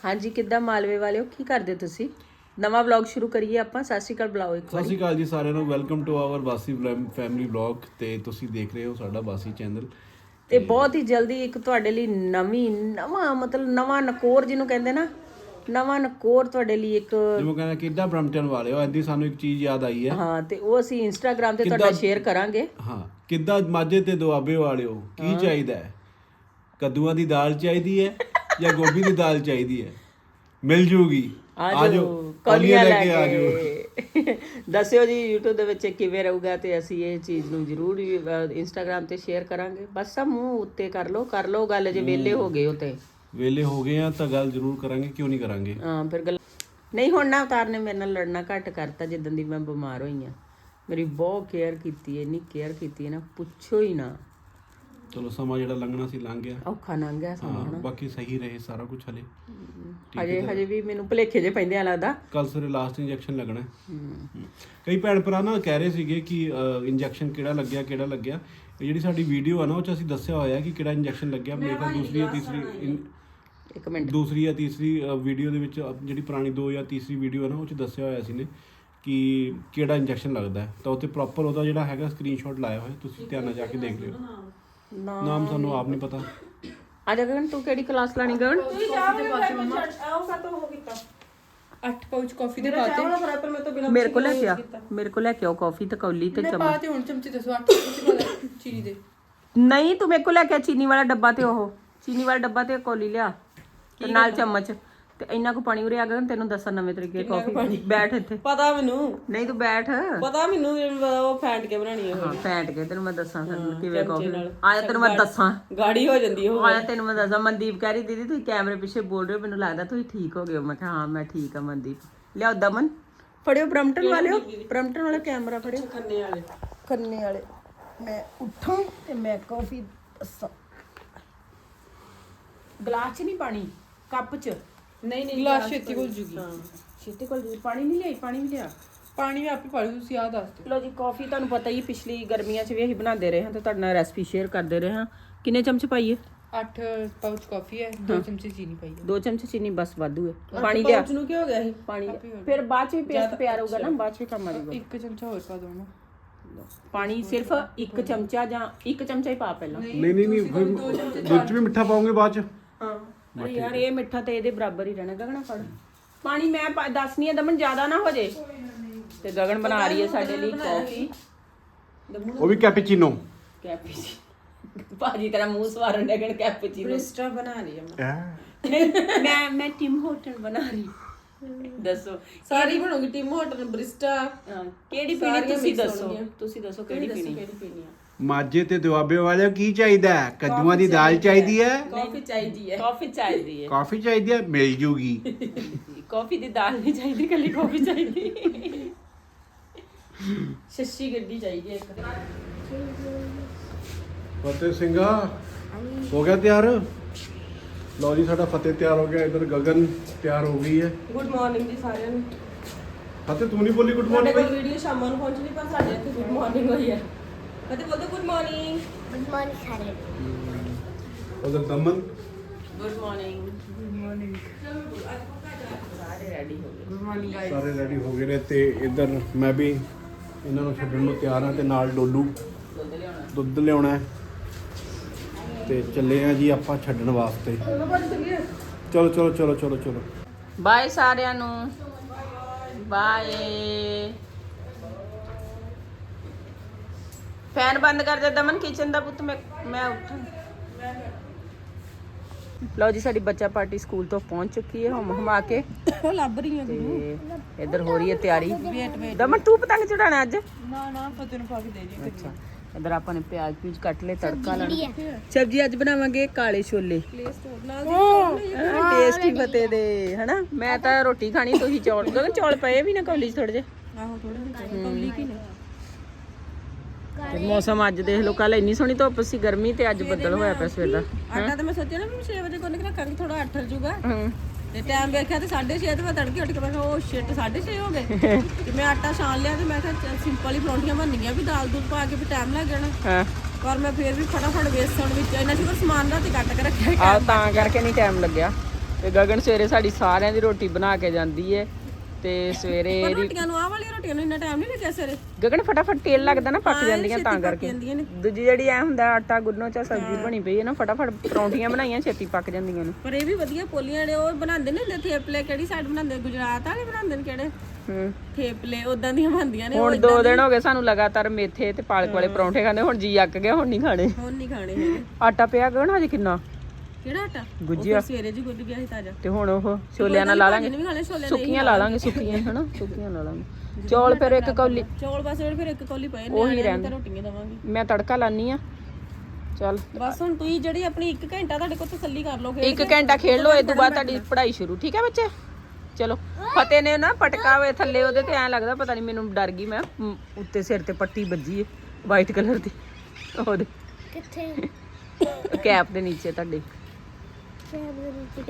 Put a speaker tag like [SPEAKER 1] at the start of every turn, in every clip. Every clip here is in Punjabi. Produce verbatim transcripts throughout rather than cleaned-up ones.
[SPEAKER 1] ਹਾਂਜੀ ਕਿੱਦਾਂ ਮਾਲਵੇ ਵਾਲਿਓ ਕੀ ਕਰਦੇ ਤੁਸੀਂ ਨਵਾਂ ਵਲੌਗ ਸ਼ੁਰੂ ਕਰੀਏ ਆਪਾਂ ਸਤਿ ਸ਼੍ਰੀ ਅਕਾਲ ਬੁਲਾਓ ਇੱਕ
[SPEAKER 2] ਸਤਿ ਸ਼੍ਰੀ ਅਕਾਲ ਜੀ ਸਾਰਿਆਂ ਨੂੰ welcome to our Basi family vlog ਤੇ ਤੁਸੀਂ ਦੇਖ ਰਹੇ ਹੋ ਸਾਡਾ ਬਾਸੀ ਚੈਨਲ
[SPEAKER 1] ਤੇ ਬਹੁਤ ਹੀ ਜਲਦੀ ਇੱਕ ਤੁਹਾਡੇ ਲਈ ਨਵੀਂ ਨਵਾਂ ਮਤਲਬ ਨਵਾਂ ਨਕੋਰ ਜਿਹਨੂੰ ਕਹਿੰਦੇ ਨਾ ਨਵਾਂ ਨਕੋਰ ਤੁਹਾਡੇ ਲਈ ਇੱਕ
[SPEAKER 2] ਜਿਵੇਂ ਕਹਿੰਦਾ ਕਿੱਦਾਂ ਬ੍ਰਮਟਨ ਵਾਲੇ ਹੋ ਐਂਦੀ ਸਾਨੂੰ ਇੱਕ ਚੀਜ਼ ਯਾਦ ਆਈ ਹੈ
[SPEAKER 1] ਹਾਂ ਤੇ ਉਹ ਅਸੀਂ ਇੰਸਟਾਗ੍ਰਾਮ ਤੇ ਤੁਹਾਡਾ ਸ਼ੇਅਰ ਕਰਾਂਗੇ
[SPEAKER 2] ਹਾਂ ਕਿੱਦਾਂ ਮਾਝੇ ਤੇ ਦੁਆਬੇ ਵਾਲਿਓ ਕੀ ਚਾਹੀਦਾ ਹੈ ਕੱਦੂਆਂ ਦੀ ਦਾਲ ਚਾਹੀਦੀ ਹੈ ਜਾਂ ਗੋਭੀ ਦੀ ਦਾਲ ਚਾਹੀਦੀ ਹੈ ਮਿਲ ਜੂਗੀ ਆਜੋ ਕੌਲੀਆਂ ਲੈ ਕੇ ਆਜੋ
[SPEAKER 1] ਦੱਸਿਓ ਜੀ YouTube ਦੇ ਵਿੱਚ ਕਿਵੇਂ ਰਹੂਗਾ ਤੇ ਅਸੀਂ ਇਹ ਚੀਜ਼ ਨੂੰ ਜ਼ਰੂਰ ਇੰਸਟਾਗ੍ਰਾਮ ਤੇ ਸ਼ੇਅਰ ਕਰਾਂਗੇ ਬਸ ਆ ਮੂੰਹ ਉੱਤੇ ਕਰ ਲਓ ਕਰ ਲਓ ਗੱਲ ਜੇ ਵਿਹਲੇ ਹੋ ਗਏ ਹੋ ਤੇ
[SPEAKER 2] ਵੇਲੇ ਹੋ ਗਏ ਆ ਤਾਂ ਗੱਲ ਜ਼ਰੂਰ ਕਰਾਂਗੇ ਕਿਉਂ ਨਹੀਂ ਕਰਾਂਗੇ
[SPEAKER 1] ਹਾਂ ਫਿਰ ਗੱਲ ਨਹੀਂ ਹੁਣ ਨਾ ਅਵਤਾਰ ਨੇ ਮੇਰੇ ਨਾਲ ਲੜਨਾ ਘੱਟ ਕਰਤਾ ਜਿੱਦਾਂ ਦੀ ਮੈਂ ਬਿਮਾਰ ਹੋਈ ਆ ਮੇਰੀ ਬਹੁਤ ਕੇਅਰ ਕੀਤੀ ਹੈ ਇੰਨੀ ਕੇਅਰ ਕੀਤੀ ਹੈ ਨਾ ਪੁੱਛੋ ਹੀ ਨਾ
[SPEAKER 2] ਚਲੋ ਸਮਾਂ ਜਿਹੜਾ ਲੰਘਣਾ ਸੀ ਲੰਘ ਗਿਆ
[SPEAKER 1] ਔਖਾ ਲੰਘ ਗਿਆ ਸਮਾਂ
[SPEAKER 2] ਹਾਂ ਬਾਕੀ ਸਹੀ ਰਹੇ ਸਾਰਾ ਕੁਝ ਹਲੇ
[SPEAKER 1] ਹਜੇ ਹਜੇ ਵੀ ਮੈਨੂੰ ਭੁਲੇਖੇ ਜੇ ਪੈਂਦੇ ਆ ਲੱਗਦਾ
[SPEAKER 2] ਕੱਲ ਸਵੇਰੇ ਲਾਸਟ ਇੰਜੈਕਸ਼ਨ ਲੱਗਣਾ ਕਈ ਭੈਣ ਭਰਾ ਨਾ ਕਹਿ ਰਹੇ ਸੀਗੇ ਕਿ ਇੰਜੈਕਸ਼ਨ ਕਿਹੜਾ ਲੱਗਿਆ ਕਿਹੜਾ ਲੱਗਿਆ ਇਹ ਜਿਹੜੀ ਸਾਡੀ ਵੀਡੀਓ ਆ ਨਾ ਉਹ ਚ ਅਸੀਂ ਦੱਸਿਆ ਹੋਇਆ ਕਿ ਕਿਹੜਾ ਇੰਜੈਕਸ਼ਨ ਲੱਗਿਆ ਮੇਰੇ ਕੋਲ ਦੂਸਰੀ ਜਾਂ ਤੀਸਰੀ
[SPEAKER 1] ਇੱਕ ਮਿੰਟ
[SPEAKER 2] ਦੂਸਰੀ ਜਾਂ ਤੀਸਰੀ ਵੀਡੀਓ ਦੇ ਵਿੱਚ ਜਿਹੜੀ ਪੁਰਾਣੀ ਦੋ ਜਾਂ ਤੀਸਰੀ ਵੀਡੀਓ ਆ ਨਾ ਉਹ ਚ ਦੱਸਿਆ ਹੋਇਆ ਸੀ ਨੇ ਕਿ ਕਿਹੜਾ ਇੰਜੈਕਸ਼ਨ ਲੱਗਦਾ ਤਾਂ ਉੱਥੇ ਪ੍ਰੋਪਰ ਉਹਦਾ ਜਿਹੜਾ ਹੈਗਾ ਸਕਰੀਨਸ਼ਾਟ ਲਾਇਆ ਹੋਇਆ ਤੁਸੀਂ ਧਿਆਨ ਨਾਲ ਜਾ ਕੇ ਦੇਖ ਲਿਓ ਨਾਮ ਸਾਨੂੰ ਆਪ ਨਹੀਂ ਪਤਾ
[SPEAKER 1] ਆ ਜਾ ਗਗਨ ਤੂੰ ਕਿਹੜੀ ਕਲਾਸ ਲਾਣੀ ਗਗਨ
[SPEAKER 3] ਅੱਠ ਪਾਊਚ ਕਾਫੀ ਦੇ ਪਾਤੇ
[SPEAKER 1] ਮੇਰੇ ਕੋਲ ਲੈ ਕੇ ਆ ਮੇਰੇ ਕੋਲ ਲੈ ਕੇ ਆਓ ਕਾਫੀ ਤੇ ਕੌਲੀ ਤੇ ਚਮਚ
[SPEAKER 3] ਪਾਤੇ ਹੁਣ ਚਮਚੇ ਦੱਸੋ ਅੱਠ ਚਮਚੇ ਪਾ ਚੀਨੀ ਦੇ
[SPEAKER 1] ਨਹੀਂ ਤੂੰ ਮੇਰੇ ਕੋਲ ਲੈ ਕੇ ਆ ਚੀਨੀ ਵਾਲਾ ਡੱਬਾ ਤੇ ਉਹ ਚੀਨੀ ਵਾਲਾ ਡੱਬਾ ਤੇ ਕੌਲੀ ਲਿਆ ਤੇ ਨਾਲ ਚਮਚ ਤੇ ਇੰਨਾ ਕੁ ਪਾਣੀ ਉਰੇ ਆ ਗਗਨ ਤੈਨੂੰ ਦੱਸਾਂ ਨਵੇਂ ਤਰੀਕੇ ਕਾਫੀ ਬੈਠ ਇੱਥੇ
[SPEAKER 3] ਪਤਾ ਮੈਨੂੰ
[SPEAKER 1] ਨਹੀਂ ਤੂੰ ਬੈਠ
[SPEAKER 3] ਪਤਾ ਮੈਨੂੰ ਉਹ ਫੈਂਟ ਕੇ ਬਣਾਣੀ ਹੈ
[SPEAKER 1] ਹਾਂ ਫੈਂਟ ਕੇ ਤੈਨੂੰ ਮੈਂ ਦੱਸਾਂ ਫਿਰ ਕਿਵੇਂ ਕਾਫੀ ਆਇਆ ਤੈਨੂੰ ਮੈਂ ਦੱਸਾਂ
[SPEAKER 3] ਗਾੜੀ ਹੋ ਜਾਂਦੀ ਉਹ
[SPEAKER 1] ਆਇਆ ਤੈਨੂੰ ਮੈਂ ਦੱਸਾਂ ਮਨਦੀਪ ਕਹਿ ਰਹੀ ਦੀਦੀ ਤੁਸੀਂ ਕੈਮਰੇ ਪਿੱਛੇ ਬੋਲ ਰਹੇ ਹੋ ਮੈਨੂੰ ਲੱਗਦਾ ਤੁਸੀਂ ਠੀਕ ਹੋ ਗਏ ਹੋ ਮੈਂ ਕਿਹਾ ਹਾਂ ਮੈਂ ਠੀਕ ਆ ਮਨਦੀਪ ਲਿਆਓ ਦਮਨ ਫੜਿਓ ਬ੍ਰਮਟਨ ਵਾਲਿਓ ਬ੍ਰਮਟਨ ਵਾਲਾ ਕੈਮਰਾ ਫੜਿਓ
[SPEAKER 3] ਖੰਨੇ ਵਾਲੇ
[SPEAKER 1] ਖੰਨੇ ਵਾਲੇ ਮੈਂ ਉੱਠਾਂ ਤੇ ਮੈਂ ਕਾਫੀ ਦੱਸਾਂ ਗਲਾਸ 'ਚ ਨਹੀਂ ਪਾਣੀ ਕੱਪ 'ਚ
[SPEAKER 3] ਨਹੀਂ ਨਹੀਂ ਗਲਾਸ ਛੇਤੀ ਕੋਲ ਜੂਗੀ
[SPEAKER 1] ਛੇਤੀ ਕੋਲ ਪਾਣੀ ਨਹੀਂ ਲਿਆਈ ਪਾਣੀ ਵੀ ਲਿਆ
[SPEAKER 3] ਪਾਣੀ ਵੀ ਆਪੇ ਪਾ ਲਓ ਤੁਸੀਂ ਆ ਦੱਸ ਦਿਓ
[SPEAKER 1] ਲੋ ਜੀ ਕਾਫੀ ਤੁਹਾਨੂੰ ਪਤਾ ਹੀ ਪਿਛਲੀ ਗਰਮੀਆਂ 'ਚ ਵੀ ਅਸੀਂ ਬਣਾਉਂਦੇ ਰਹੇ ਹਾਂ ਤੇ ਤੁਹਾਡੇ ਨਾਲ ਰੈਸਪੀ ਸ਼ੇਅਰ ਕਰਦੇ ਰਹੇ ਹਾਂ ਕਿੰਨੇ ਚਮਚ ਪਾਈਏ
[SPEAKER 3] ਅੱਠ ਪਾਊਚ ਕਾਫੀ ਹੈ ਦੋ ਚਮਚੇ ਚੀਨੀ ਪਾਈ ਹੈ
[SPEAKER 1] ਦੋ ਚਮਚ ਚੀਨੀ ਬਸ ਵਾਧੂ ਹੈ ਪਾਣੀ ਲਿਆ
[SPEAKER 3] ਪਾਊਚ ਨੂੰ ਕੀ ਹੋ ਗਿਆ ਇਹ
[SPEAKER 1] ਪਾਣੀ ਫਿਰ ਬਾਅਦ 'ਚ ਵੀ ਪੇਸਟ ਪਿਆ ਰਹੂਗਾ ਨਾ ਬਾਅਦ 'ਚ ਵੀ ਕੰਮ ਆ ਜਾਊਗਾ
[SPEAKER 3] ਇੱਕ ਚਮਚਾ ਹੋਰ ਪਾ ਦੋ ਨਾ
[SPEAKER 1] ਪਾਣੀ ਸਿਰਫ ਇੱਕ ਚਮਚਾ ਜਾਂ ਇੱਕ ਚਮਚਾ ਹੀ ਪਾ ਪਹਿਲਾਂ
[SPEAKER 2] ਨਹੀਂ ਨਹੀਂ ਨਹੀਂ ਦੁੱਧ 'ਚ ਵੀ ਮਿੱਠਾ ਪਾਉਂਗੇ ਬਾਅਦ 'ਚ
[SPEAKER 1] ਹਾਂ ਅਰੇ ਯਾਰ ਇਹ ਮਿੱਠਾ ਤੇ ਇਹਦੇ ਬਰਾਬਰ ਹੀ ਰਹਿਣਾ ਗਗਨ ਫੜ ਪਾਣੀ ਮੈਂ ਦੱਸਣੀ ਹੈ ਦਮਨ ਜ਼ਿਆਦਾ ਨਾ ਹੋ ਜੇ ਤੇ ਗਗਨ ਬਣਾ ਰਹੀ ਹੈ ਸਾਡੇ ਲਈ ਕਾਫੀ
[SPEAKER 2] ਉਹ ਵੀ ਕੈਪੇਚੀਨੋ
[SPEAKER 1] ਕੈਪੇਚੀਨੋ ਭਾਜੀ ਤੇਰਾ ਮੂੰਹ ਸਵਾਰਨ ਡਗਣ ਕੈਪੇਚੀਨੋ
[SPEAKER 3] ਬ੍ਰਿਸਟਾ ਬਣਾ ਰਹੀ ਹੈ
[SPEAKER 1] ਨਹੀਂ ਮੈਂ ਮੈਂ ਟਿਮ ਹੋਟਲ ਬਣਾ ਰਹੀ ਦੱਸੋ
[SPEAKER 3] ਸਾਰੀ ਬਣੋਗੀ ਟਿਮ ਹੋਟਲ ਬ੍ਰਿਸਟਾ
[SPEAKER 1] ਕਿਹੜੀ ਪੀਣੀ ਤੁਸੀਂ ਦੱਸੋ ਤੁਸੀਂ ਦੱਸੋ ਕਿਹੜੀ ਪੀਣੀ
[SPEAKER 3] ਕਿਹੜੀ ਪੀਣੀ ਆ
[SPEAKER 2] ਮਾਝੇ ਤੇ ਦੁਆਬੇ ਵਾਲਿਓ ਕੀ ਚਾਹੀਦਾ ਹੈ ਕੱਦੂਆਂ ਦੀ ਦਾਲ ਚਾਹੀਦੀ ਹੈ
[SPEAKER 3] ਕਾਫੀ ਚਾਹੀਦੀ ਹੈ
[SPEAKER 1] ਕਾਫੀ ਚਾਹੀਦੀ ਹੈ
[SPEAKER 2] ਕਾਫੀ ਚਾਹੀਦੀ ਹੈ ਮਿਲ ਜੂਗੀ
[SPEAKER 1] ਕਾਫੀ ਦੀ ਦਾਲ ਨਹੀਂ ਚਾਹੀਦੀ ਕੱਲੀ ਕਾਫੀ ਚਾਹੀਦੀ
[SPEAKER 3] ਸ਼ੱਸ਼ੀ ਗੱਡੀ ਚਾਹੀਦੀ ਹੈ ਇੱਕ
[SPEAKER 2] ਫਤਿਹ ਸਿੰਘਾ ਹੋ ਗਿਆ ਤਿਆਰ ਲਓ ਜੀ ਸਾਡਾ ਫਤਿਹ ਤਿਆਰ ਹੋ ਗਿਆ ਇਧਰ ਗਗਨ ਤਿਆਰ ਹੋ ਗਈ ਹੈ
[SPEAKER 3] ਗੁੱਡ ਮਾਰਨਿੰਗ ਜੀ ਸਾਰਿਆਂ ਨੂੰ
[SPEAKER 2] ਫਤਿਹ ਤੂੰ ਨਹੀਂ ਬੋਲੀ ਗੁੱਡ
[SPEAKER 3] ਤੁਹਾਡੇ
[SPEAKER 2] ਮਾਰਨਿੰਗ
[SPEAKER 3] ਕੋਲ ਵੀਡੀਓ ਸ਼ਾਮਾਂ ਨੂੰ ਪਹੁੰਚਣੀ ਪਰ ਸਾਡੇ ਇੱਥੇ ਗੁੱਡ ਮਾਰਨਿੰਗ ਹੋਈ ਹੈ ਕਦੇ ਬੋਲਦੇ ਗੁੱਡ ਮਾਰਨਿੰਗ
[SPEAKER 4] ਗੁੱਡ ਮਾਰਨਿੰਗ ਸਾਰੇ
[SPEAKER 2] ਉਧਰ Daman
[SPEAKER 1] good morning good morning ਸਾਰੇ ਰੈਡੀ ਹੋ ਗਏ
[SPEAKER 3] ਗੁੱਡ ਮਾਰਨਿੰਗ ਗਾਇਸ
[SPEAKER 2] ਸਾਰੇ ਰੈਡੀ ਹੋ ਗਏ ਨੇ ਤੇ ਇਧਰ ਮੈਂ ਵੀ ਇਹਨਾਂ ਨੂੰ ਛੱਡਣ ਨੂੰ ਤਿਆਰ ਹਾਂ ਤੇ ਨਾਲ ਡੋਲੂ
[SPEAKER 1] ਦੁੱਧ ਲਿਆਉਣਾ
[SPEAKER 2] ਦੁੱਧ ਲਿਆਉਣਾ ਹੈ ਤੇ ਚੱਲੇ ਆ ਜੀ ਆਪਾਂ ਛੱਡਣ ਵਾਸਤੇ ਚਲੋ ਚਲੋ ਚਲੋ ਚਲੋ ਚਲੋ
[SPEAKER 1] ਬਾਏ ਸਾਰਿਆਂ ਨੂੰ ਬਾਏ ਫੈਨ ਬੰਦ ਕਰ ਦੇ ਦਮਨ ਕਿਚਨ ਦਾ ਪੁੱਤ ਮੈਂ ਮੈਂ ਉੱਠਾਂ ਲਓ ਜੀ ਸਾਡੀ ਬੱਚਾ ਪਾਰਟੀ ਸਕੂਲ ਤੋਂ ਪਹੁੰਚ ਚੁੱਕੀ ਹੈ ਹਮ ਹਮਾ ਕੇ
[SPEAKER 3] ਉਹ ਲੱਭ ਰਹੀ ਹੈ
[SPEAKER 1] ਤੇ ਇੱਧਰ ਹੋ ਰਹੀ ਹੈ ਤਿਆਰੀ
[SPEAKER 3] ਵੇਟ ਵੇਟ
[SPEAKER 1] ਦਮਨ ਤੂੰ ਪਤੰਗ ਚੜਾਣਾ ਅੱਜ
[SPEAKER 3] ਨਾ ਨਾ ਫਤਿਹ ਨੂੰ ਪਾ ਕੇ ਦੇ ਜੀ
[SPEAKER 1] ਅੱਛਾ ਇੱਧਰ ਆਪਾਂ ਨੇ ਪਿਆਜ਼ ਪੀਜ ਕੱਟ ਲਏ ਤੜਕਾ ਲਾਣਾ ਸਬਜ਼ੀ ਅੱਜ ਬਣਾਵਾਂਗੇ ਕਾਲੇ ਛੋਲੇ
[SPEAKER 3] ਪਲੇਸ ਤੋਂ ਨਾਲ
[SPEAKER 1] ਟੇਸਟੀ ਫਤਿਹ ਦੇ ਹਨਾ ਮੈਂ ਤਾਂ ਰੋਟੀ ਖਾਣੀ ਤੁਸੀਂ ਚੌਲ ਗਗਨ ਚੌਲ ਪਏ ਵੀ ਨਾ ਕੌਲੀ ਚ ਥੋੜੇ ਜਿਹੇ
[SPEAKER 3] ਆਹੋ ਥੋੜੇ ਕੌਲੀ ਕੀ ਨੇ
[SPEAKER 1] ਤੇ ਮੌਸਮ ਅੱਜ ਦੇਖ ਲਓ ਕੱਲ ਇੰਨੀ ਸੋਹਣੀ ਧੁੱਪ ਸੀ ਗਰਮੀ ਤੇ ਅੱਜ ਬੱਦਲ ਹੋਇਆ ਪਿਆ ਸਵੇਰ ਦਾ
[SPEAKER 3] ਆਟਾ ਤਾਂ ਮੈਂ ਸੋਚਿਆ ਨਾ ਛੇ ਵਜੇ ਕੋਲ ਨਿਕਲਾ ਕਰੀ ਥੋੜਾ ਅੱਠ ਜੂਗਾ
[SPEAKER 1] ਹੂੰ
[SPEAKER 3] ਤੇ ਟਾਈਮ ਵੇਖਿਆ ਤੇ ਸਾਢੇ ਛੇ ਤੇ ਮੈਂ ਤੜਕੇ ਉੱਠ ਕੇ ਮੈਂ ਕਿਹਾ ਉਹ ਸ਼ਿਟ ਸਾਢੇ ਛੇ ਹੋ ਗਏ ਤੇ ਮੈਂ ਆਟਾ ਛਾਣ ਲਿਆ ਤੇ ਮੈਂ ਕਿਹਾ ਸਿੰਪਲ ਹੀ ਪਰੌਂਠੀਆਂ ਬਣਨੀਆਂ ਵੀ ਦਾਲ ਦੂਲ ਪਾ ਕੇ ਵੀ ਟਾਈਮ ਲੱਗ ਜਾਣਾ
[SPEAKER 1] ਹਾਂ
[SPEAKER 3] ਪਰ ਮੈਂ ਫੇਰ ਵੀ ਫਟਾਫਟ ਵੇਸਣ ਵਿੱਚ ਇਹਨਾਂ ਸੀ ਪਰ ਸਮਾਨ ਰਾਤੀ ਕੱਟ ਕੇ ਰੱਖਿਆ
[SPEAKER 1] ਆ ਤਾਂ ਕਰਕੇ ਨਹੀਂ ਟਾਈਮ ਲੱਗਿਆ ਤੇ ਗਗਨ ਸਵੇਰੇ ਸਾਡੀ ਸਾਰਿਆਂ ਦੀ ਰੋਟੀ ਬਣਾ ਕੇ ਜਾਂਦੀ ਹੈ ਤੇ ਸਵੇਰੇ
[SPEAKER 3] ਪਰ
[SPEAKER 1] ਇਹਦੀ
[SPEAKER 3] ਰੋਟੀਆਂ ਨੂੰ ਆਹ ਵਾਲੀਆਂ ਰੋਟੀਆਂ ਨੂੰ ਇੰਨਾ ਟਾਈਮ ਨਹੀਂ ਲੱਗਿਆ ਸਵੇਰੇ
[SPEAKER 1] ਗਗਨ ਫਟਾਫਟ ਤੇਲ ਲੱਗਦਾ ਨਾ ਪੱਕ ਜਾਂਦੀਆਂ ਤਾਂ ਕਰਕੇ
[SPEAKER 3] ਜਾਂਦੀਆਂ ਨੇ
[SPEAKER 1] ਦੂਜੀ ਜਿਹੜੀ ਐ ਹੁੰਦਾ ਆਟਾ ਗੁੰਨੋ ਚਾ ਸਬਜ਼ੀ ਬਣੀ ਪਈ ਹੈ ਨਾ ਫਟਾਫਟ ਪਰੌਂਠੀਆਂ ਬਣਾਈਆਂ ਛੇਤੀ ਪੱਕ ਜਾਂਦੀਆਂ ਨੇ।
[SPEAKER 3] ਪਰ ਇਹ ਵੀ ਵਧੀਆ ਪੋਲੀਆਂ ਨੇ ਉਹ ਬਣਾਉਂਦੇ ਨੇ ਹੁੰਦੇ ਥੇਪਲੇ ਕਿਹੜੀ ਸਾਈਡ ਬਣਾਉਂਦੇ ਗੁਜਰਾਤ ਵਾਲੇ ਬਣਾਉਂਦੇ ਨੇ ਕਿਹੜੇ
[SPEAKER 1] ਹੂੰ
[SPEAKER 3] ਥੇਪਲੇ ਉਦਾਂ ਦੀਆਂ ਬਣਦੀਆਂ ਨੇ
[SPEAKER 1] ਹੁਣ ਦੋ ਦਿਨ ਹੋ ਗਏ ਸਾਨੂੰ ਲਗਾਤਾਰ ਮੇਥੇ ਤੇ ਪਾਲਕ ਵਾਲੇ ਪਰੌਂਠੇ ਖਾਂਦੇ ਹੁਣ ਜੀ ਅੱਕ ਗਿਆ ਹੁਣ ਨਹੀਂ ਖਾਣੇ।
[SPEAKER 3] ਹੁਣ ਨਹੀਂ ਖਾਣੇ ਹੈਗੇ।
[SPEAKER 1] ਆਟਾ ਪਿਆ ਗਗਨ ਹਜੇ ਕਿੰਨਾ
[SPEAKER 3] ਕਿਹੜਾ ਆਟਾ
[SPEAKER 1] ਗੁੱਜਿਆ
[SPEAKER 3] ਸਵੇਰੇ ਜੀ ਗੁੱਦ ਗਿਆ ਸੀ ਤਾਜ਼ਾ
[SPEAKER 1] ਤੇ ਹੁਣ ਉਹ ਛੋਲਿਆਂ ਨਾਲ ਲਾ ਲਾਂਗੇ
[SPEAKER 3] ਵੀ ਖਾਣੇ ਛੋਲੇ
[SPEAKER 1] ਸੁੱਕੀਆਂ ਲਾ ਲਾਂਗੇ ਸੁੱਕੀਆਂ ਹਨਾ ਸੁੱਕੀਆਂ ਲਾ ਲਾਂਗੇ ਚੌਲ ਫਿਰ ਇੱਕ ਕੌਲੀ
[SPEAKER 3] ਚੌਲ ਬਸ ਫਿਰ ਇੱਕ ਕੌਲੀ ਪਏ ਨੇ ਉਹੀ ਰਹਿਣ ਰੋਟੀਆਂ ਦਵਾਂਗੇ
[SPEAKER 1] ਮੈਂ ਤੜਕਾ ਲਾਨੀ ਆ ਚੱਲ
[SPEAKER 3] ਬਸ ਹੁਣ ਤੁਸੀਂ ਜਿਹੜੀ ਆਪਣੀ ਇੱਕ ਘੰਟਾ ਤੁਹਾਡੇ ਕੋਲ ਤਸੱਲੀ ਕਰ ਲੋਗੇ
[SPEAKER 1] ਇੱਕ ਘੰਟਾ ਖੇਡ ਲਓ ਇਸ ਤੋਂ ਬਾਅਦ ਤੁਹਾਡੀ ਪੜ੍ਹਾਈ ਸ਼ੁਰੂ ਠੀਕ ਹੈ ਬੱਚੇ। ਚਲੋ ਫਤਿਹ ਨੇ ਨਾ ਪਟਕਾ ਵੇ ਥੱਲੇ ਉਹਦੇ ਤੇ ਐਂ ਲੱਗਦਾ ਪਤਾ ਨਹੀਂ ਮੈਨੂੰ ਡਰ ਗਈ ਮੈਂ ਮ, ਉੱਤੇ ਸਿਰ ਤੇ ਪੱਟੀ ਵੱਜੀ ਹੈ ਵਾਈਟ ਕਲਰ ਦੀ ਉਹਦੇ
[SPEAKER 4] ਕਿੱਥੇ
[SPEAKER 1] ਕੈਪ ਦੇ ਨੀਚੇ ਤੁਹਾਡੇ।
[SPEAKER 4] ਕੈਬ ਦੇ ਨੀਚੇ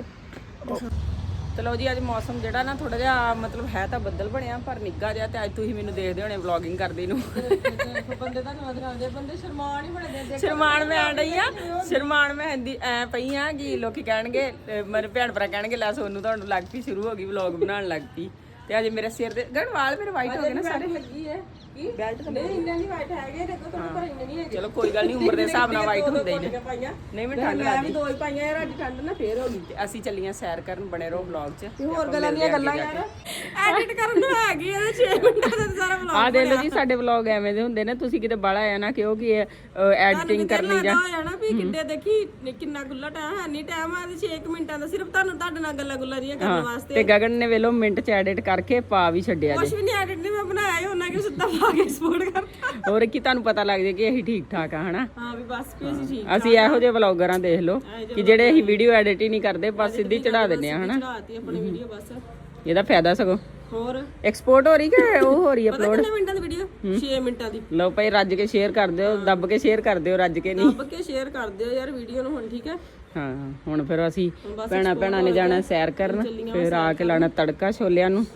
[SPEAKER 1] ਚਲੋ ਜੀ ਅੱਜ ਮੌਸਮ ਜਿਹੜਾ ਨਾ ਥੋੜਾ ਜਿਹਾ ਮਤਲਬ ਹੈ ਤਾਂ ਬੱਦਲ ਬਣਿਆ ਪਰ ਨਿੱਘਾ ਜਿਹਾ ਤੇ ਅੱਜ ਤੁਸੀਂ ਮੈਨੂੰ ਦੇਖਦੇ ਹੋਣੇ ਵਲੌਗਿੰਗ ਕਰਦੇ ਨੂੰ
[SPEAKER 3] ਬੰਦੇ ਤਾਂ ਨਵਾਂ ਦਿਖਾਉਂਦੇ ਬੰਦੇ ਸ਼ਰਮਾਨ ਹੀ ਬੜੇ ਦੇ
[SPEAKER 1] ਸ਼ਰਮਾਨ ਮੈਂ ਆਣ ਰਹੀ ਆ ਸ਼ਰਮਾਨ ਮੈਂ ਹਿੰਦੀ ਐ ਪਈ ਆ ਕਿ ਲੋਕੀ ਕਹਿਣਗੇ ਅਹ ਮੇਰੇ ਭੈਣ ਭਰਾ ਕਹਿਣਗੇ ਲੈ ਸੋਨੂੰ ਤੁਹਾਨੂੰ ਲੱਗ ਪਈ ਸ਼ੁਰੂ ਹੋ ਗਈ ਵਲੌਗ ਬਣਾਉਣ ਲੱਗ ਪਈ ਤੇ ਅੱਜ ਮੇਰੇ ਸਿਰ ਦੇ ਗਣ ਵਾਲ ਮੇਰੇ ਵਾਈਟ ਹੋ ਗਏ ਨਾ ਸਾਰੇ
[SPEAKER 3] ਲੱਗੀ ਹੈ ਕੀ
[SPEAKER 1] ਬੈਲਟ ਤਾਂ
[SPEAKER 3] ਨਹੀਂ ਇੰਨੇ ਨਹੀਂ ਵਾਈਟ ਹੈਗੇ ਦੇਖੋ ਤੁਹਾਡੇ ਪਰ ਇੰਨੇ ਨਹੀਂ ਹੈਗੇ
[SPEAKER 1] ਚਲੋ ਕੋਈ ਗੱਲ ਨਹੀਂ ਉਮਰ ਦੇ ਹਿਸਾਬ ਨਾਲ ਵਾਈਟ ਹੁੰਦੇ ਹੀ ਨੇ
[SPEAKER 3] ਪਾਈਆਂ
[SPEAKER 1] ਨਹੀਂ ਮੈਂ ਠੰਡ
[SPEAKER 3] ਮੈਂ ਵੀ
[SPEAKER 1] ਲੱਗਦੀ
[SPEAKER 3] ਦੋ ਹੀ ਪਾਈਆਂ ਯਾਰ ਅੱਜ ਠੰਡ ਨਾ ਫੇਰ ਹੋ ਗਈ
[SPEAKER 1] ਤੇ ਅਸੀਂ ਚੱਲੀਆਂ ਸੈਰ ਕਰਨ ਬਣੇ ਰਹੋ ਵਲੌਗ 'ਚ
[SPEAKER 3] ਤੇ ਹੋਰ ਗੱਲਾਂ ਦੀਆਂ ਗੱਲਾਂ ਯਾਰ ਐਡਿਟ ਕਰਨ ਨੂੰ ਹੈਗੀ ਇਹਦੇ ਛੇ ਮਿੰਟਾਂ ਦਾ ਸਾਰਾ ਵਲੌਗ
[SPEAKER 1] ਆ ਦੇਖ ਲਓ ਜੀ ਸਾਡੇ ਵਲੌਗ ਐਵੇਂ ਦੇ ਹੁੰਦੇ ਨੇ ਤੁਸੀਂ ਕਿਤੇ ਬਾਹਲਾ ਆਇਆ ਨਾ ਕਿਉਂਕਿ ਐਡੀਟਿੰਗ ਕਰਨੀ ਜਾਂ
[SPEAKER 3] ਹੋ ਜਾਣਾ ਵੀ ਕਿੰਨੇ ਦੇਖੀ ਕਿੰਨਾ ਗੁੱਲਾ ਟਾਈਮ ਹੈ ਨਹੀਂ ਟਾਈਮ ਆ ਛੇ ਮਿੰਟਾਂ ਦਾ ਸਿਰਫ ਤੁਹਾਨੂੰ ਤੁਹਾਡੇ ਨਾਲ ਗੱਲਾਂ ਗੁੱਲਾਂ ਜੀਆਂ ਕਰਨ ਵਾਸਤੇ
[SPEAKER 1] ਤੇ ਗਗਨ ਨੇ ਵੇਲੋ ਮਿੰਟ 'ਚ ਐਡਿਟ ਕਰਕੇ ਪਾ ਵੀ ਛੱਡਿਆ
[SPEAKER 3] ਕੁਝ ਵੀ ਨਹੀਂ ਐਡਿਟ ਨਹੀਂ ਮੈਂ ਬਣਾਇਆ ਹੀ ਉਹਨਾਂ ਕਿ ਸਿੱਧਾ ਪਾ ਕੇ ਸਪੋਰਟ ਕਰਤਾ
[SPEAKER 1] ਹੋਰ ਕੀ ਤੁਹਾਨੂੰ ਪਤਾ ਲੱਗ ਜੇ ਕਿ ਅਸੀਂ ਠੀਕ ਠਾਕ ਆ ਹਨਾ
[SPEAKER 3] ਹਾਂ ਵੀ ਬਸ ਵੀ ਅਸੀਂ ਠੀਕ
[SPEAKER 1] ਅਸੀਂ ਇਹੋ ਜਿਹੇ ਵਲੌਗਰਾਂ ਦੇਖ ਲਓ ਕਿ ਜਿਹੜੇ ਅਸੀਂ ਵੀਡੀਓ ਐਡਿਟ ਹੀ ਨਹੀਂ ਕਰਦੇ ਬਸ ਸਿੱਧੀ ਚੜਾ ਦਿੰਦੇ ਆ ਹਨਾ
[SPEAKER 3] ਚੜਾਤੀ ਆਪਣੀ ਵੀਡੀਓ ਬਸ
[SPEAKER 1] ਇਹਦਾ ਫਾਇਦਾ ਸਗੋਂ
[SPEAKER 3] ਹੋਰ
[SPEAKER 1] ਐਕਸਪੋਰਟ ਹੋ ਰਹੀ ਕਿ ਉਹ ਹੋ ਰਹੀ
[SPEAKER 3] ਪਤਾ
[SPEAKER 1] ਅਪਲੋਡ
[SPEAKER 3] ਕਿੰਨੇ ਮਿੰਟਾਂ ਦੀ ਵੀਡੀਓ ਛੇ ਮਿੰਟਾਂ ਦੀ
[SPEAKER 1] ਲਓ ਭਾਈ ਰੱਜ ਕੇ ਸ਼ੇਅਰ ਕਰ ਦਿਓ ਦੱਬ ਕੇ ਸ਼ੇਅਰ ਕਰ ਦਿਓ ਰੱਜ ਕੇ ਨਹੀਂ
[SPEAKER 3] ਦੱਬ ਕੇ ਸ਼ੇਅਰ ਕਰ ਦਿਓ ਯਾਰ ਵੀਡੀਓ ਨੂੰ ਹੁਣ ਠੀਕ ਹੈ
[SPEAKER 1] ਹਾਂ ਹੁਣ ਫਿਰ ਅਸੀਂ ਭੈਣਾਂ ਭੈਣਾਂ ਨੇ ਜਾਣਾ ਸੈਰ ਕਰਨ ਫਿਰ ਆ ਕੇ ਲਾਣਾ ਤੜਕਾ ਛੋਲਿਆਂ ਨੂੰ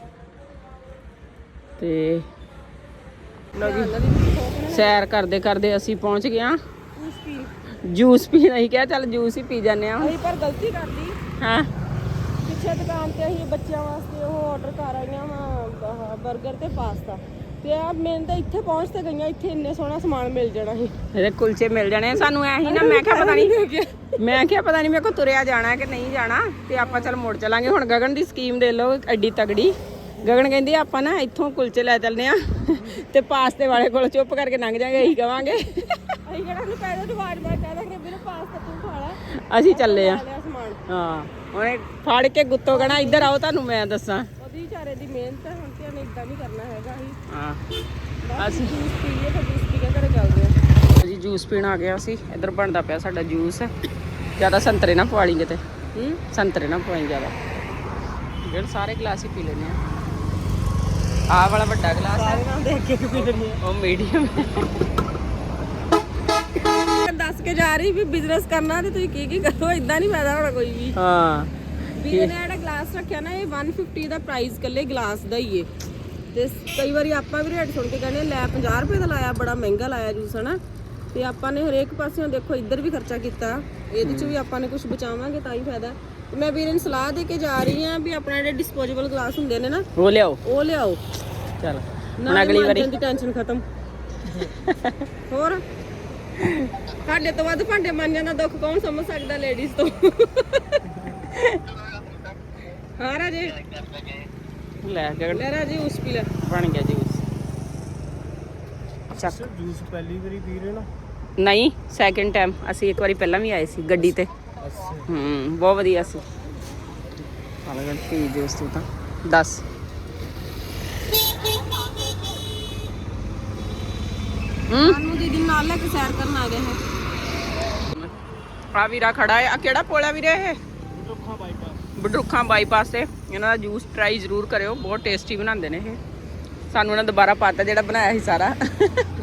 [SPEAKER 1] ਤੇ ਲਓ ਜੀ ਸੈਰ ਕਰਦੇ ਕਰਦੇ ਅਸੀਂ ਪਹੁੰਚ ਗਏ ਆ ਜੂਸ ਪੀਣਾ ਹੀ ਕਿਹਾ ਚੱਲ ਜੂਸ ਹੀ ਪੀ ਜਾਂਦੇ ਆ
[SPEAKER 3] ਅਸੀਂ ਪਰ ਗਲਤੀ ਕਰਦੀ
[SPEAKER 1] ਹਾਂ
[SPEAKER 3] ਪਿੱਛੇ ਦੁਕਾਨ ਤੇ ਅਸੀਂ ਬੱਚਿਆਂ ਵਾਸਤੇ ਉਹ ਆਰਡਰ ਕਰ ਆਈਆਂ ਵਾ 버ਗਰ ਤੇ ਪਾਸਤਾ ਤੇ ਆ ਮੈਂ ਤਾਂ ਇੱਥੇ ਪਹੁੰਚ ਤੇ ਗਈਆਂ ਇੱਥੇ ਇੰਨੇ ਸੋਹਣਾ ਸਮਾਨ ਮਿਲ ਜਾਣਾ ਸੀ
[SPEAKER 1] ਇਹਦੇ ਕੁਲਚੇ ਮਿਲ ਜਾਣੇ ਸਾਨੂੰ ਐ ਹੀ ਨਾ ਮੈਂ ਕਿਹਾ ਪਤਾ ਨਹੀਂ ਮੈਂ ਕਿਹਾ ਪਤਾ ਨਹੀਂ ਮੇਰੇ ਕੋ ਤੁਰਿਆ ਜਾਣਾ ਕਿ ਨਹੀਂ ਜਾਣਾ ਤੇ ਆਪਾਂ ਚੱਲ ਮੁੜ ਚਲਾਂਗੇ ਹੁਣ ਗਗਨ ਦੀ ਸਕੀਮ ਦੇ ਲਓ ਐਡੀ ਤਗੜੀ ਗਗਨ ਕਹਿੰਦੀ ਆਪਾਂ ਨਾ ਇੱਥੋਂ ਕੁਲਚੇ ਲੈ ਚੱਲਨੇ ਆ ਤੇ ਪਾਸਤੇ ਵਾਲੇ ਕੋਲ ਚੁੱਪ ਕਰਕੇ ਲੰਘ ਜਾਾਂਗੇ ਇਹੀ ਕਵਾਂਗੇ
[SPEAKER 3] ਅਸੀਂ ਕਿਹੜਾ ਨੂੰ ਕਹਿ ਦੋ ਵਾਰ ਵਾਰ ਕਹਿ ਦਾਂਗੇ ਵੀਰੇ ਪਾਸਤਾ ਤੂੰ ਖਾ ਲੈ
[SPEAKER 1] ਅਸੀਂ ਚੱਲੇ ਆ
[SPEAKER 3] ਲਿਆ ਸਮਾਨ
[SPEAKER 1] ਹਾਂ ਉਹਨੇ ਫੜ ਕੇ ਗੁੱਤੋਂ ਕਹਣਾ ਇੱਧਰ ਆਓ ਤੁਹਾਨੂੰ ਮੈਂ ਦੱਸਾਂ
[SPEAKER 3] ਉਹਦੀ ਵਿਚਾਰੇ ਦੀ ਮਿਹਨਤ ਹੈ ਹੁਣ ਤੇ ਉਹਨੇ ਇਦਾਂ ਨਹੀਂ ਕਰਨਾ ਹੈਗਾ ਅਸੀਂ
[SPEAKER 1] ਹਾਂ ਅਸੀਂ
[SPEAKER 3] ਜੂਸ ਪੀਏ ਫਿਰ ਜੂਸ ਪੀ ਕੇ ਘਰੇ ਚੱਲਦੇ ਆ
[SPEAKER 1] ਜੀ ਜੂਸ ਪੀਣ ਆ ਗਿਆ ਸੀ ਇੱਧਰ ਬਣਦਾ ਪਿਆ ਸਾਡਾ ਜੂਸ ਜਿਆਦਾ ਸੰਤਰੇ ਨਾ ਪਵਾ ਲਈ ਕਿਤੇ ਹੂੰ ਸੰਤਰੇ ਨਾ ਪਵਾਈ ਜਿਆਦਾ ਜਿਹੜੇ ਸਾਰੇ ਗਲਾਸ ਹੀ ਪੀ ਲੈਣੇ ਆ ਆਹ ਵਾਲਾ ਵੱਡਾ ਗਲਾਸ
[SPEAKER 3] ਸਾਰੇ ਨਾਲ ਦੇਖ ਕੇ ਪੀ ਲੈਣੀ
[SPEAKER 1] ਉਹ ਮੀਡੀਅਮ
[SPEAKER 3] ਦੱਸ ਕੇ ਜਾ ਰਹੀ ਵੀ ਬਿਜ਼ਨਸ ਕਰਨਾ ਤੇ ਤੁਸੀਂ ਕੀ ਕੀ ਕਰੋ ਇਦਾਂ ਨਹੀਂ ਫਾਇਦਾ ਹੋਣਾ ਕੋਈ ਵੀ
[SPEAKER 1] ਹਾਂ
[SPEAKER 3] ਵੀ ਇਹਨੇ ਜਿਹੜਾ ਗਲਾਸ ਰੱਖਿਆ ਨਾ ਇਹ ਇੱਕ ਸੌ ਪਚਾਸ ਦਾ ਪ੍ਰਾਈਸ ਕੱਲੇ ਗਲਾਸ ਦਾ ਹੀ ਏ ਤੇ ਕਈ ਵਾਰੀ ਆਪਾਂ ਵੀ ਰੇਟ ਸੁਣ ਕੇ ਕਹਿੰਦੇ ਲੈ ਪੰਜਾਹ ਰੁਪਏ ਦਾ ਲਾਇਆ ਬੜਾ ਮਹਿੰਗਾ ਲਾਇਆ ਜੂਸ ਹਨਾ ਤੇ ਆਪਾਂ ਨੇ ਹਰੇਕ ਪਾਸਿਓਂ ਦੇਖੋ ਇੱਧਰ ਵੀ ਖਰਚਾ ਕੀਤਾ ਇਹਦੇ ਚ ਵੀ ਆਪਾਂ ਨੇ ਕੁਝ ਬਚਾਵਾਂਗੇ ਤਾਂ ਹੀ ਫਾਇਦਾ ਤੇ ਮੈਂ ਵੀਰੇ ਨੂੰ ਸਲਾਹ ਦੇ ਕੇ ਜਾ ਰਹੀ ਆ ਵੀ ਆਪਣਾ ਜਿਹੜੇ ਡਿਸਪੋਜ਼ੇਬਲ ਗਲਾਸ ਹੁੰਦੇ ਨੇ ਨਾ
[SPEAKER 1] ਉਹ ਲਿਆਓ
[SPEAKER 3] ਉਹ ਲਿਆਓ
[SPEAKER 1] ਚਲ
[SPEAKER 3] ਨਾ
[SPEAKER 1] ਹੁਣ ਅਗਲੀ ਵਾਰੀ
[SPEAKER 3] ਦੀ ਟੈਨਸ਼ਨ ਖਤਮ ਹੋਰ ਸਾਡੇ ਤੋਂ ਵੱਧ ਭਾਂਡੇ ਮਾਂਜਣ ਦਾ ਦੁੱਖ ਕੌਣ ਸਮਝ ਸਕਦਾ ਲੇਡੀਜ਼ ਤੋਂ ਹਾਂ ਰਾਜੇ
[SPEAKER 1] ਲੈ ਗਗਨ
[SPEAKER 3] ਲੈ ਰਾਜੇ ਉਸ ਪੀ ਲੈ
[SPEAKER 1] ਬਣ ਗਿਆ ਜੂਸ ਚੱਕ
[SPEAKER 2] ਜੂਸ ਪਹਿਲੀ ਵਾਰੀ ਪੀ ਰਹੇ ਨਾ
[SPEAKER 1] ਨਹੀਂ ਸੈਕਿੰਡ ਟਾਈਮ ਅਸੀਂ ਇੱਕ ਵਾਰੀ ਪਹਿਲਾਂ ਵੀ ਆਏ ਸੀ ਗੱਡੀ ਤੇ ਹੂੰ ਬਹੁਤ ਵਧੀਆ ਸੀ ਹਾਲੇ ਪੀ ਜੂਸ ਤੂੰ ਤਾਂ ਦੱਸ ਹੂੰ
[SPEAKER 3] ਸਾਨੂੰ ਦੀਦੀ ਨਾਲ ਲੈ ਕੇ ਸੈਰ ਕਰਨ ਆ ਗਏ ਹੈ
[SPEAKER 1] ਆ ਵੀਰਾ ਖੜਾ ਹੈ ਆ ਕਿਹੜਾ ਪੋਲਾ ਵੀਰੇ ਇਹ ਬਡਰੁੱਖਾਂ ਬਾਈਪਾਸ ਤੇ ਇਹਨਾਂ ਦਾ ਜੂਸ ਟਰਾਈ ਜ਼ਰੂਰ ਕਰਿਓ ਬਹੁਤ ਟੇਸਟੀ ਬਣਾਉਂਦੇ ਨੇ ਇਹ ਸਾਨੂੰ ਉਹਨਾਂ ਦੁਬਾਰਾ ਪਾਤਾ ਜਿਹੜਾ ਬਣਾਇਆ ਸੀ ਸਾਰਾ